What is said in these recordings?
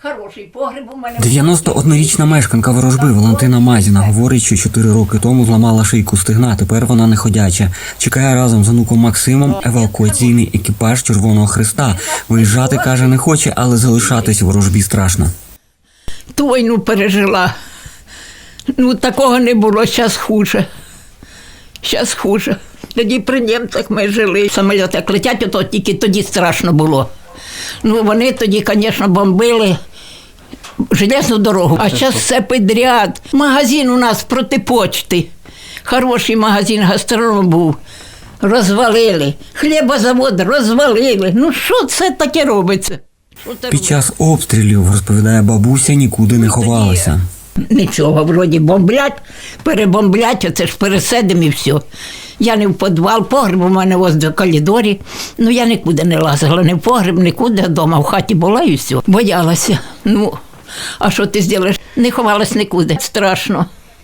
Хороший погреб у мене. 91-річна мешканка Ворожби Валентина Мазіна говорить, що 4 роки тому зламала шийку стегна, тепер вона неходяча. Чекає разом з онуком Максимом евакуаційний екіпаж Червоного Хреста. Виїжджати, каже, не хоче, але залишатись у Ворожбі страшно. Ту війну пережила. Такого не було, зараз хуже. Зараз хуже. Тоді при німцях ми жили. Самоліти як летять, то тільки тоді страшно було. Вони тоді, звісно, бомбили железну дорогу. А зараз все підряд. Магазин у нас проти почти. Хороший магазин, гастроном був. Розвалили. Хлібозавод розвалили. Що це таке робиться? Під час обстрілів, розповідає бабуся, нікуди не ховалася. Нічого, вроді бомблять, перебомблять, оце ж пересидимо і все. Я не в підвал, погреб у мене ось до коридорі. Я нікуди не лазила, не в погреб, нікуди, вдома в хаті була і все. Боялася. А що ти зробиш? Не ховалась нікуди. Страшно.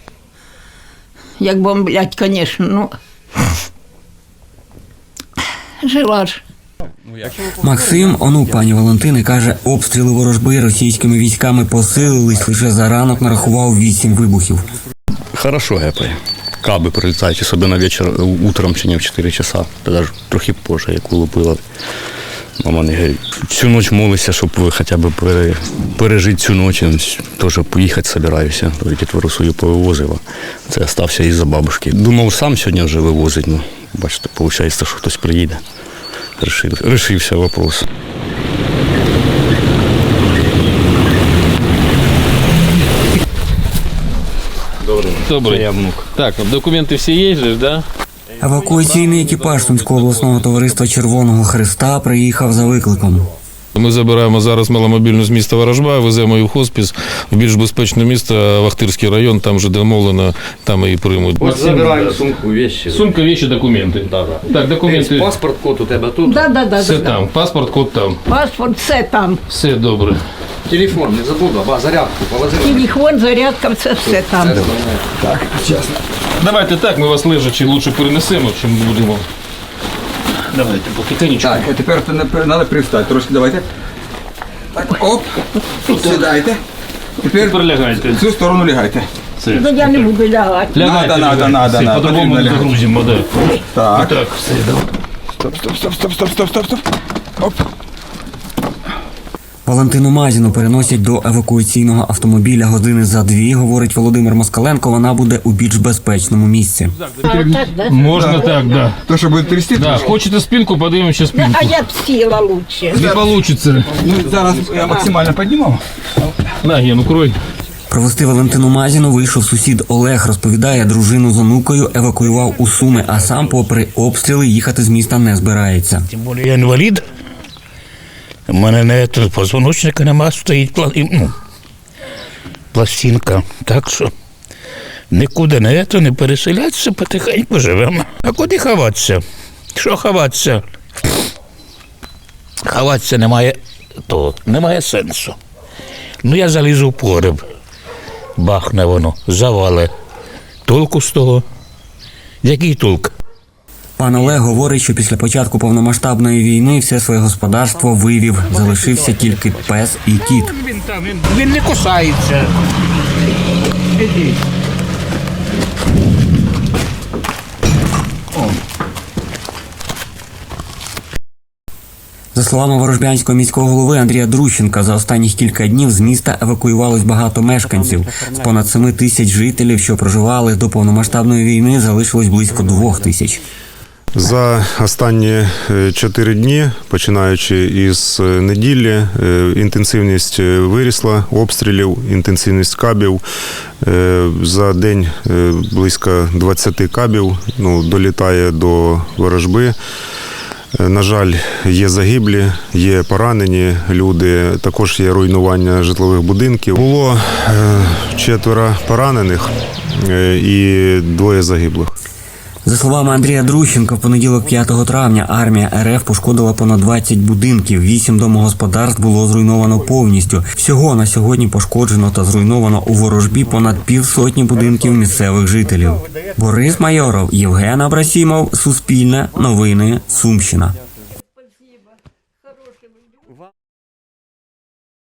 Як бомблять, звісно, жила ж. Максим, онук пані Валентини, каже, обстріли Ворожби російськими військами посилились, лише за ранок нарахував 8 вибухів. Хорошо гепає. Каби прилітають, особливо вечір, утром чи не в 4 часа, навіть трохи позже, як улупила. Мама не говорить, всю ніч молиться, щоб хоча б пережити цю ніч, теж поїхати збираюся, дітвору свою повивозила. Це залишився із-за бабушки. Думав, сам сьогодні вже вивозить, бачите, виходить, що хтось приїде. Решився вопрос. Добрый. Я внук. Так, документы все есть же, да? Евакуаційний екіпаж Сумського обласного товариства Червоного Хреста приїхав за викликом. Ми забираємо зараз маломобільну з міста Ворожба, веземо її в хоспіс, в більш безпечне місто, Вахтирський район, там вже домовлено, там її приймуть. Ось забираємо сумку, вещи. Сумка, вещи, документи. Так, документи. Паспорт, код у тебе тут? Да. Все там, паспорт, код там. Паспорт, все там. Все добре. Телефон, не забула, зарядку положила. Телефон, зарядка, все там. Так, чесно. Давайте так, ми вас лежачи лучше перенесемо, чим будемо. Давайте, потихенечку. Так, а тепер треба привстати. Трошки давайте. Так, оп. Сідайте. Тепер лягайте. В цю сторону лягайте. Я не буду лягати. Лягайте, Надо. Все, по-другому не загрузимо, да. Так. Так, все, давай. Стоп. Оп. Валентину Мазіну переносять до евакуаційного автомобіля години за 2, говорить Володимир Москаленко, вона буде у більш безпечному місці. Можна так, да. То, що буде трясти? Да, хочете спинку, подивимося спинку. А я б сіла лучше. Не получится. Зараз я максимально піднімав. На, Ген, укрой. Провести Валентину Мазіну вийшов сусід Олег, розповідає, дружину з онукою евакуював у Суми, а сам попри обстріли їхати з міста не збирається. Тим більше я інвалід. У мене позвоночника нема, стоїть пластинка. Так що нікуди не переселятися, потихеньку живемо. А куди ховатися? Що ховатися? Ховатися немає сенсу. Я залізу в погреб, бахне воно, завале. Толку з того? Який толк? Пан Олег говорить, що після початку повномасштабної війни все своє господарство вивів. Залишився тільки пес і кіт. Він не кусається. Ідіть. За словами ворожбянського міського голови Андрія Друщенка, за останніх кілька днів з міста евакуювалось багато мешканців. З понад 7 тисяч жителів, що проживали до повномасштабної війни, залишилось близько 2 тисяч. За останні 4 дні, починаючи із неділі, інтенсивність вирісла обстрілів, інтенсивність кабів. За день близько 20 кабів долітає до Ворожби. На жаль, є загиблі, є поранені люди, також є руйнування житлових будинків. Було 4 поранених і 2 загиблих. За словами Андрія Друщенка, в понеділок 5 травня армія РФ пошкодила понад 20 будинків, 8 домогосподарств було зруйновано повністю. Всього на сьогодні пошкоджено та зруйновано у Ворожбі понад 50 будинків місцевих жителів. Борис Майоров, Євген Абрасімов, Суспільне, Новини, Сумщина.